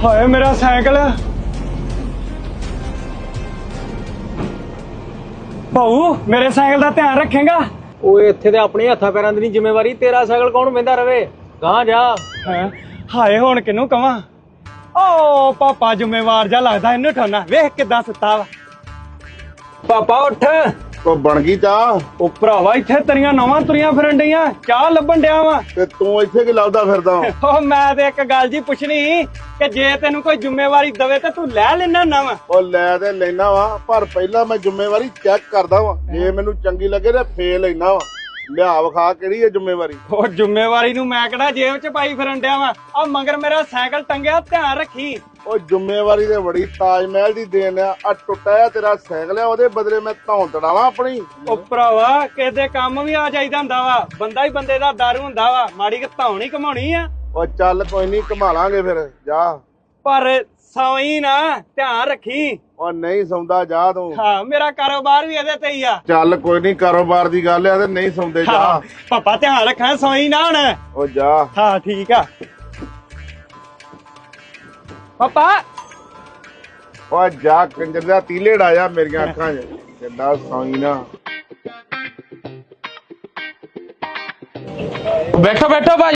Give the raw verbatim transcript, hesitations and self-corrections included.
ਹਾਏ ਮੇਰਾ ਸਾਈਕਲ। ਭਾਊ ਮੇਰੇ ਸਾਈਕਲ ਦਾ ਧਿਆਨ ਰੱਖੇਗਾ। ਓਏ ਇੱਥੇ ਤੇ ਆਪਣੇ ਹੱਥਾਂ ਪੈਰਾਂ ਦੀ ਨਹੀਂ ਜ਼ਿੰਮੇਵਾਰੀ, ਤੇਰਾ ਸਾਈਕਲ ਕੌਣ ਵਹਿੰਦਾ ਰਵੇ? ਗਾਂ ਜਾ। ਹੈਂ? ਹਾਏ ਹੁਣ ਕਿਹਨੂੰ ਕਵਾਂ? ਓ ਪਾਪਾ ਜ਼ਿੰਮੇਵਾਰ ਜਾ ਲੱਗਦਾ, ਇਹਨੂੰ ਠਾਣਾ ਵੇਖ ਕਿੱਦਾਂ ਸੁੱਤਾ ਵਾ। ਪਾਪਾ ਉੱਠ। ਉਹ ਬਣ ਗਈ ਚਾਹ? ਉਹ ਭਰਾਵਾ ਇੱਥੇ ਤੇਰੀਆਂ ਨਵਾਂ ਤੁਰੀਆਂ ਫਿਰਨ ਡਈਆਂ, ਚਾਹ ਲੱਭਣ ਡਿਆ ਵਾ। ਤੇ ਤੂੰ ਇੱਥੇ ਕੀ ਲੱਭਦਾ ਫਿਰਦਾ? ਉਹ ਮੈਂ ਤੇ ਇੱਕ ਗੱਲ ਜੀ ਪੁੱਛਣੀ ਕਿ ਜੇ ਤੈਨੂੰ ਕੋਈ ਜ਼ਿੰਮੇਵਾਰੀ ਦਵੇ ਤਾਂ ਤੂੰ ਲੈ ਲੈਣਾ ਨਾ ਵਾ। ਉਹ ਲੈ ਤੇ ਲੈਣਾ ਵਾ, ਪਰ ਪਹਿਲਾਂ ਮੈਂ ਜ਼ਿੰਮੇਵਾਰੀ ਚੈੱਕ ਕਰਦਾ ਵਾਂ। ਜੇ ਮੈਨੂੰ ਚੰਗੀ ਲੱਗੇ ਤੇ ਫੇਰ ਲੈਣਾ ਵਾ। ਲਿਆ ਵਿਖਾ ਕਿਹੜੀ ਹੈ ਜ਼ਿੰਮੇਵਾਰੀ। ਉਹ ਜ਼ਿੰਮੇਵਾਰੀ ਨੂੰ ਮੈਂ ਕਿਹੜਾ ਜੇਬ 'ਚ ਪਾਈ ਫਿਰਨ ਡਿਆ ਵਾ। ਆ ਮਗਰ ਮੇਰਾ ਸਾਈਕਲ ਟੰਗਿਆ, ਧਿਆਨ ਰੱਖੀ। ਉਹ ਜ਼ਿੰਮੇਵਾਰੀ ਤੇ ਬੜੀ ਤਾਜ ਮਹਿਲ ਦੀ ਦੇਣ ਆ। ਆ ਟੁੱਟਿਆ ਤੇਰਾ ਸਾਈਕਲ ਆ, ਉਹਦੇ ਬਦਲੇ ਮੈਂ ਧੌਣ ਤੜਾਵਾਂ ਆਪਣੀ? ਉਹ ਭਰਾਵਾ ਕਿਸੇ ਦੇ ਕੰਮ ਵੀ ਆ ਜਾਈਦਾ ਹੁੰਦਾ ਵਾ। ਬੰਦਾ ਹੀ ਬੰਦੇ ਦਾ ਦਰ ਹੁੰਦਾ ਵਾ, ਮਾੜੀ ਕਿ ਧੌਣ ਹੀ ਘਮਾਉਣੀ ਆ। ਉਹ ਚੱਲ ਕੋਈ ਨਹੀਂ, ਘੁਮਾ ਲਾਂਗੇ ਫਿਰ। ਜਾ ਪਰ ਸੌਈ ਨਾ, ਧਿਆਨ ਰੱਖੀ। ਉਹ ਨਹੀਂ ਸੌਂਦਾ, ਜਾ ਤੂੰ। ਹਾਂ ਮੇਰਾ ਕਾਰੋਬਾਰ ਵੀ ਇਹਦੇ ਤੇ ਹੀ ਆ। ਚੱਲ ਕੋਈ ਨਹੀਂ, ਕਾਰੋਬਾਰ ਦੀ ਗੱਲ ਆ ਤੇ ਨਹੀਂ ਸੌਂਦੇ। ਜਾ ਹਾਂ, ਪਾਪਾ ਧਿਆਨ ਰੱਖਾਂ, ਸੌਈ ਨਾ ਹੁਣ। ਉਹ ਜਾ। ਹਾਂ ਠੀਕ ਆ ਪਾਪਾ। ਉਹ ਜਾ ਕੰਜਰ ਦਾ ਤੀਲੇ ਡਾਇਆ ਮੇਰੀਆਂ ਅੱਖਾਂ 'ਚ। ਕਿੱਦਾਂ ਸੌਈ ਨਾ। ਬੈਠੋ ਬੈਠੋ ਭਾਈ।